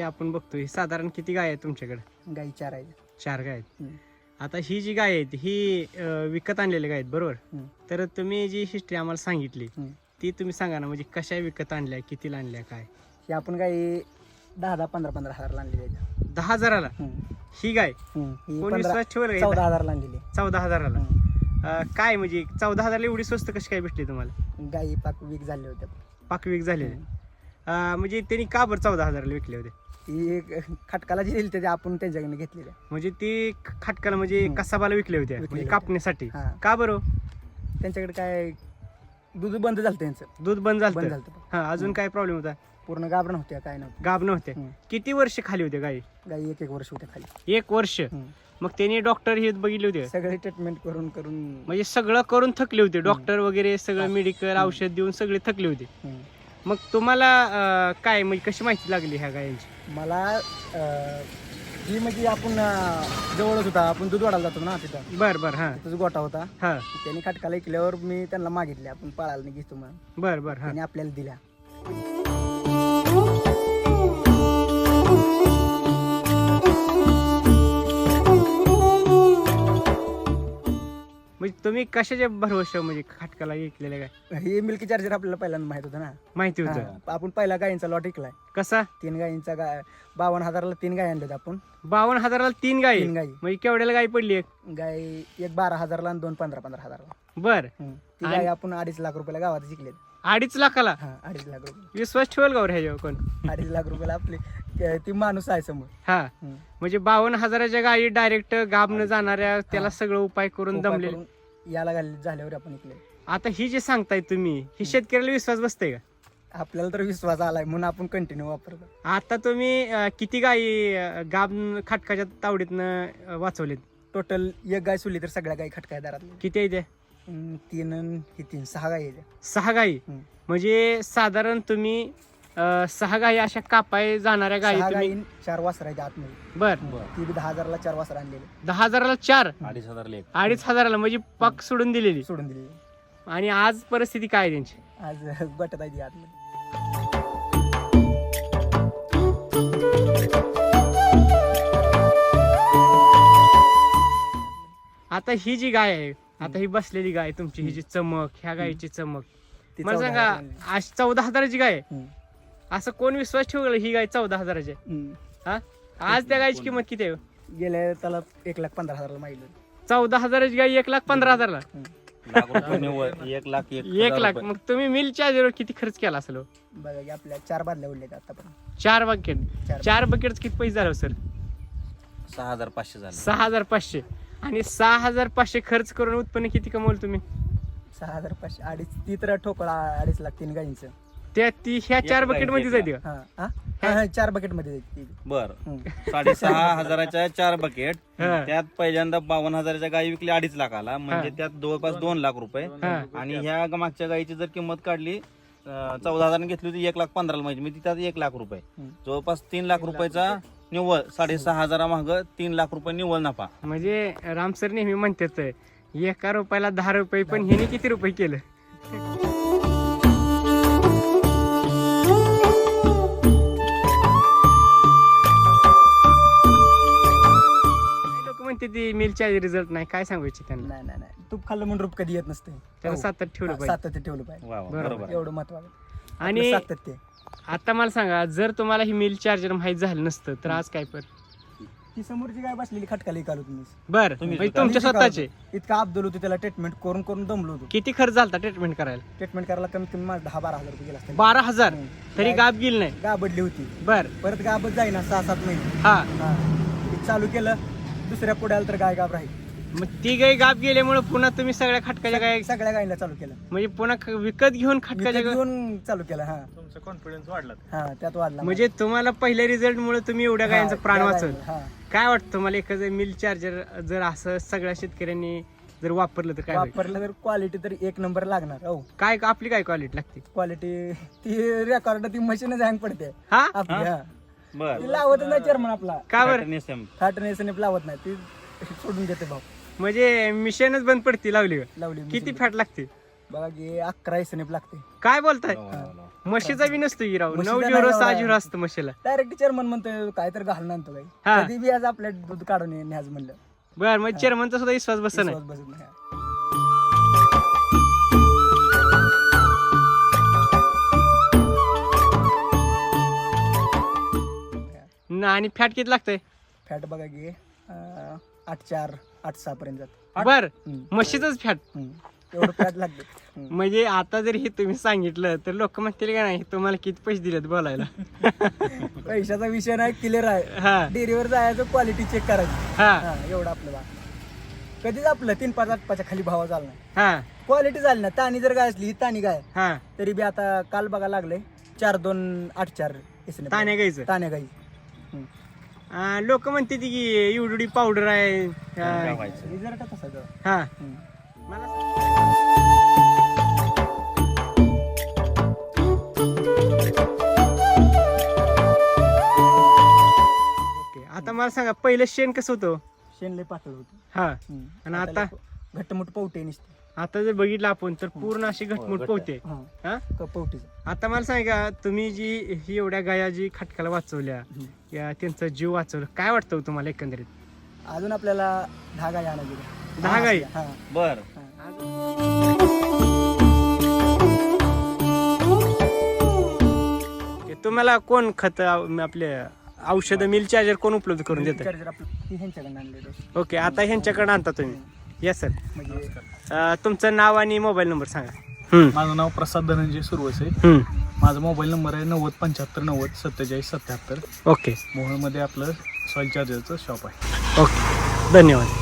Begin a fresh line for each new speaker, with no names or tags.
आपण बघतोय साधारण किती गाय आहेत तुमच्याकडे?
गाई 4 आहेत.
4 गाय आहेत.
हम्म.
आता ही जी गाय आहेत ही विकत आणलेली गाय आहेत बरोबर?
हम्म.
तर तुम्ही जी हिस्ट्री आम्हाला सांगितली
हम्म.
ती तुम्ही सांगा ना, म्हणजे कशा विकत आणल्या, कितीला आणल्या, काय?
ही आपण गाई 10-15 हजारला आणलेली आहेत.
10,000ला ही गाय?
ही
कोण विश्वास ठेवलं?
14,000ला आणलेली आहे.
14,000ला? काय म्हणजे 14,000ला एवढी स्वस्त कशी काय भेटली तुम्हाला?
गाई पाक वीक झाले होते.
पाकविक झालेले. म्हणजे त्यांनी का बरं 14,000ला विकले होते?
ती खटकाला जी दिली ते आपण त्यांच्याकडे घेतलेल्या.
म्हणजे ती खटकाला म्हणजे कसाबाला विकले होते म्हणजे कापण्यासाठी?
हा.
का बरं?
त्यांच्याकडे काय दूध बंद झालं त्यांचं.
दूध बंद झालं?
झालं.
हा. अजून काय प्रॉब्लेम होता?
पूर्ण गाभण होत्या, काय नव्हतं.
गाब नव्हते? किती वर्ष खाली होते गाई?
गाई 1 वर्ष होत्या खाली.
1 वर्ष? मग त्यांनी डॉक्टर हे बघितले होते?
सगळे ट्रीटमेंट करून
म्हणजे सगळं करून थकले होते? डॉक्टर वगैरे सगळं मेडिकल औषध देऊन सगळे थकले होते? मग तुम्हाला काय म्हणजे कशी माहिती लागली ह्या गायांची?
मला ही म्हणजे आपण जवळच होता, आपण दूध वाढायला जातो ना तिथं.
बर. हा.
तिथंच गोठा होता.
हा.
त्यांनी खटकाला ऐकल्यावर मी त्यांना मागितले, आपण पाळायला नाही घेतो म्हणून.
बर. हा.
त्यांनी आपल्याला दिल्या.
म्हणजे तुम्ही कशाच्या भरवशा म्हणजे खटकाला ऐकलेलं काय?
हे मिल्की चार्जर आपल्याला पहिल्यांदा माहित होतं ना.
माहिती होतं?
हा. आपण पहिला गायींचा लॉट ऐकलाय.
कसा?
3 गायींचा 52,000ला 3 गाय आणल्यात आपण.
52,000ला 3 गाई?
3 गाई.
म्हणजे केवढ्याला गाई पडली एक?
गाय एक 12,000ला आणि 2 15,000ला.
बर.
ती गाय आपण 2.5 लाख रुपयाला गावात शिकलेत.
2.5 लाखाला?
हा, 2.5 लाख रुपये.
विश्वास ठेवल का ह्याच्यावर कोण?
2.5 लाख रुपयाला आपली ती माणूस आहे समोर.
हा. म्हणजे 52,000च्या गायी डायरेक्ट गाब न जाणाऱ्या त्याला सगळं उपाय करून दमले
याला झाल्यावर आपण ऐकले.
आता ही जे सांगताय तुम्ही ही शेतकऱ्याला विश्वास बसतंय का?
आपल्याला तर विश्वास आलाय म्हणून आपण कंटिन्यू वापरतो.
आता तुम्ही किती गायी गाब खटकाच्या तावडीतनं वाचवलेत?
टोटल एक गाय सोडली तर सगळ्या गायी खटकाय दारातल्या.
किती आहे त्या?
3 6 गायी आहेत.
6 गायी? म्हणजे साधारण तुम्ही 6 गायी अशा कापाय जाणाऱ्या गायी तुम्ही?
4 वासर आहेत आतमध्ये.
बर.
ती बी 10,000ला 4 वासर आणलेले.
10,000ला 4?
2,500
म्हणजे पाक सोडून दिलेली.
सोडून दिलेली.
आणि आज परिस्थिती काय आहे त्यांची?
आज बटत आहे ती आतमध्ये.
आता ही जी गाय आहे, आता ही बसलेली गाय तुमची, ही जी चमक, ह्या गायीची चमक, मला सांगा आज 14,000ची गाय आहे? असं कोण विश्वास ठेवलं ही गाय 14,000ची? हा. आज त्या गायची किंमत किती आहे?
गेल्या त्याला 1,15,000ला मागितलं.
14,000ची गाय 1,15,000ला?
1
लाख. मग तुम्ही मिल चार्जर किती खर्च केला असेल?
बघा की आपल्या 4 बादल्या उडल्यात आतापर्यंत.
4 बकेट? 4 बकेट किती पैसे झाले सर?
6,500 झाले.
6,500. आणि 6,500 खर्च करून उत्पन्न किती कमवलं तुम्ही?
6,500. 2.5 ती तर ठोकळा 2.5 लाख 3 गायींचं.
ह्या 4 बकेट मध्ये जाते का?
हा 4 बकेट मध्ये जाते.
बर. 6,500च्या 4 बकेट. त्यात पहिल्यांदा 52,000च्या गायी विकली 2.5 लाखाला, म्हणजे त्यात जवळपास 2 लाख रुपये. आणि ह्या मागच्या गायीची जर किंमत काढली 14,000 घेतली होती 1,15,000 म्हणजे त्यात 1 लाख रुपये, जवळपास 3 लाख रुपयाचा निव्वळ. 6,500 माग 3 लाख रुपये निव्वळ नफा.
म्हणजे रामसर नेहमी म्हणतात 1 रुपयाला 10 रुपये, पण ह्याने किती रुपये केलं? लोक म्हणते ती मिलच्या रिझल्ट नाही, काय सांगायचे त्यांना?
नाही तूप खाल्लं म्हणून रूप कधी येत नसते.
त्याला सातत्य ठेवलं पाहिजे.
सातत्य ठेवलं पाहिजे.
बरोबर.
एवढं महत्वाचं.
आणि
सातत्य.
आता मला सांगा, जर तुम्हाला ही मिल चार्जर माहित झालं नसतं तर आज काय? पण
ती समोरची गाय बसलेली खटकाला इकाल तुम्ही.
बर. तुमच्या स्वतःचे?
इतका अब्दुल होतो त्याला, ट्रीटमेंट करून करून दमलो होतो.
किती खर्च झाला ट्रीटमेंट करायला?
ट्रीटमेंट करायला कमीत कमी 10-12 हजार रुपये गेला असतील.
12,000? तरी गाब गेली नाही?
गाबडली होती.
बर.
परत गाबच जाईना 6-7 महिने.
हा.
चालू केलं, दुसऱ्या पुढ्याला तर गाय गाब राहील.
मग ती गाय गाब गेल्यामुळे पुन्हा तुम्ही सगळ्या खटकाच्या गाय
सगळ्या गायीला चालू केलं.
म्हणजे पुन्हा विकत घेऊन खटकाच्या गाय
घेऊन चालू केलं. हा,
तुमचा कॉन्फिडन्स वाढला.
हा त्यात वाढला.
म्हणजे तुम्हाला पहिल्या रिझल्ट मुळे तुम्ही एवढ्या गायांचं प्राण वाचवलं.
हा.
काय वाटतं तुम्हाला, एखादं मिल चार्जर जर असं सगळ्या शेतकऱ्यांनी जर वापरलं तर काय होईल?
वापरलं तर क्वालिटी तर 1 नंबर लागणार. हो,
काय आपली काय क्वालिटी लागते?
क्वालिटी ती रेकॉर्ड ती मशीनच हँग पडते
हा.
आपली. हा,
बर.
ती लावत नाही चेअरमन आपला.
का बरं?
फॅटनेस लावत नाही, ती सोडून देते भाऊ.
म्हणजे मिशनच बंद पडती लावली का?
लावली
किती फॅट लागते?
बघा की 11 एसएनएफ लागते.
काय बोलताय? म्हशीचा बी नसतो की राव,
म्हशीचा
9
नाही
झिरो
एवढा
6
आहे.
झिरो असतं म्हशीला.
डायरेक्ट चेअरमन म्हणतोय काय तर घालून आणतो
हा.
काय, कधी बी आज आपल्या दूध काढून न्याज म्हणलं
बर मग चेअरमनचा सुद्धा विश्वास बसत नाही.
विश्वास बसत नाही.
आणि फॅट किती लागतंय?
फॅट बघा की 8.4 8.6 पर्यंत जात.
बर म्हशीचंच फॅट.
एवढं फॅट लागतं.
म्हणजे आता जर हे तुम्ही सांगितलं तर लोक म्हणतील का नाही तुम्हाला किती पैसे दिलेत बोलायला.
पैशाचा विषय नाही, क्लिअर आहे.
हा
डेअरीवर जायचं, क्वालिटी चेक करायची.
हा
हा, एवढं आपलं बा. कधीच आपलं 3-5 8 खाली भाव झाला नाही.
हा
क्वालिटी झाली ना. ताणी जर गाय असली, ही ताणी गाय
हा
तरी बी आता काल बघा लागले 4-2 8-4 इसने
ताण्या गाईचं.
ताण्या गाई.
लोक म्हणते ती की एवढी पावडर आहे.
गावायचं.
रिझल्ट तसा गं.
हा मला ओके, आता मला सांगा पहिलं शेण कसं होतं?
शेण लय पातळ होतं.
हा आणि आता
घट्टमुट पवटे निसते.
आता जर बघितलं आपण तर पूर्ण अशी घटमुट पोहते. हा
पवटीचं.
आता मला सांगा तुम्ही जी ही एवढ्या गाया जी खटकाला वाचवल्या या त्यांचा जीव वाचवला, काय वाटतं हो तुम्हाला एकंदरीत?
अजून आपल्याला 10 गाई आणायची.
10 गाई?
हा.
बर
तुम्हाला कोण खत आपले औषध मिल चार्जर कोण उपलब्ध करून देतं?
चार्जर आपलं ती ह्यांच्याकडून आणलेलं.
ओके, आता ह्यांच्याकडे आणता तुम्ही. Yes sir.
म्हणजे
तुमचं नाव आणि मोबाईल नंबर सांगा.
माझं नाव प्रसाद धनंजय सुरवसे. माझा मोबाईल नंबर आहे 9075904777.
ओके
मोहोळमध्ये आपलं सॉईल चार्जरचं शॉप आहे.
ओके, धन्यवाद.